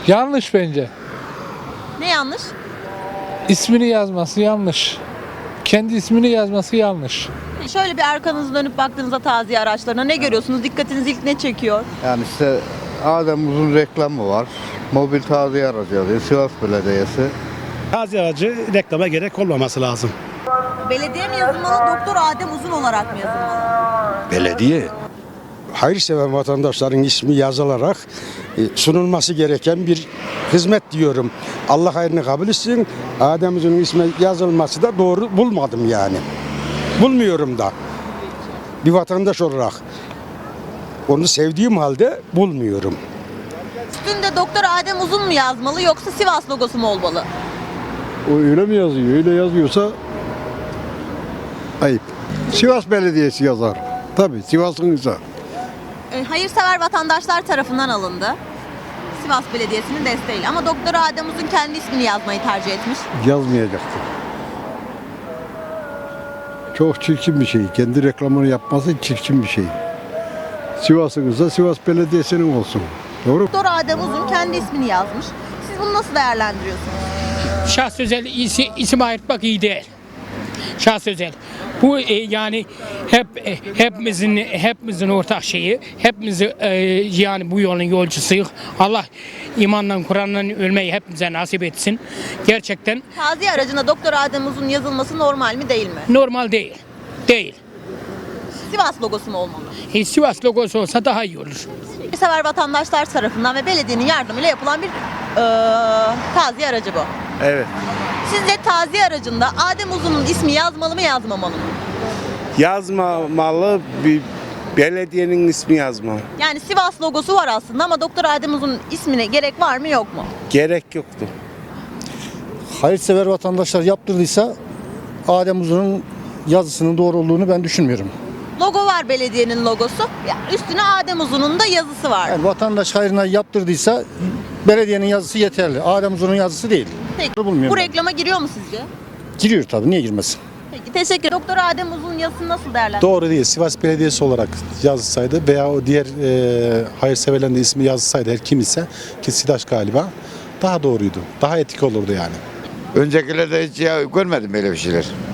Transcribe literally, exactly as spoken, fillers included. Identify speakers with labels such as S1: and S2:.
S1: Yanlış bence.
S2: Ne yanlış?
S1: İsmini yazması yanlış. Kendi ismini yazması yanlış.
S2: Şöyle bir arkanızı dönüp baktığınızda taziye araçlarına ne görüyorsunuz? Dikkatinizi ilk ne çekiyor?
S3: Yani işte Adem Uzun reklamı var. Mobil taziye aracı alıyor. Sivas Belediyesi.
S4: Taziye aracı reklama gerek olmaması lazım.
S2: Belediye mi yazılmalı, Doktor Adem Uzun olarak mı yazılmalı?
S5: Belediye. Hayırsever vatandaşların ismi yazılarak e, sunulması gereken bir hizmet diyorum. Allah hayrını kabul etsin. Adem'in ismi yazılması da doğru bulmadım yani. Bulmuyorum da. Bir vatandaş olarak. Onu sevdiğim halde bulmuyorum.
S2: Üstünde Doktor Adem Uzun mu yazmalı yoksa Sivas logosu mu olmalı?
S6: O öyle mi yazıyor? Öyle yazıyorsa ayıp. Sivas Belediyesi yazar. Tabii Sivas'ın ise.
S2: E, hayırsever vatandaşlar tarafından alındı. Sivas Belediyesi'nin desteğiyle ama Doktor Adem Uzun kendi ismini yazmayı tercih etmiş.
S6: Yazmayacaktı. Çok çirkin bir şey. Kendi reklamını yapması çirkin bir şey. Sivas'ın ise Sivas Belediyesi'nin olsun. Doğru mu?
S2: Doktor Adem Uzun kendi ismini yazmış. Siz bunu nasıl değerlendiriyorsunuz?
S7: Şahs özel isi, isim ayırtmak iyi değil. Şahs özel. Bu e, yani hep e, hepimizin hepimizin ortak şeyi. Hepimiz e, yani bu yolun yolcusuyuz. Allah imanla Kur'an'la ölmeyi hepimize nasip etsin. Gerçekten
S2: Taziye aracına Doktor Adem Uzun yazılması normal mi değil mi?
S7: normal değil. Değil.
S2: Sivas logosu mu olmalı?
S7: E, Sivas logosu olsa daha iyi olur.
S2: Sever vatandaşlar tarafından ve belediyenin yardımıyla yapılan bir e, taziye aracı bu.
S8: Evet.
S2: Sizce taziye aracında Adem Uzun'un ismi yazmalı mı yazmamalı mı?
S8: Yazmamalı, bir belediyenin ismi yazma.
S2: Yani Sivas logosu var aslında ama Doktor Adem Uzun'un ismine gerek var mı yok mu?
S8: Gerek yoktu.
S9: Hayırsever vatandaşlar yaptırdıysa Adem Uzun'un yazısının doğru olduğunu ben düşünmüyorum.
S2: Logo var, belediyenin logosu. Ya üstüne Adem Uzun'un da yazısı var.
S9: Yani vatandaş hayrına yaptırdıysa belediyenin yazısı yeterli. Adem Uzun'un yazısı değil.
S2: Peki,
S9: bulmuyorum
S2: bu
S9: ben.
S2: reklama giriyor mu sizce?
S9: Giriyor tabii, niye girmesin?
S2: Peki, teşekkür ederim. Doktor Adem Uzun yazısını nasıl değerlendiriyorsunuz?
S10: Doğru değil. Sivas Belediyesi olarak yazılsaydı veya o diğer e, hayırseverlerin de ismi yazılsaydı her kim ise ki SİDAŞ galiba daha doğruydu. Daha etik olurdu yani.
S3: Öncekilerde hiç ya görmedim böyle bir şeyler.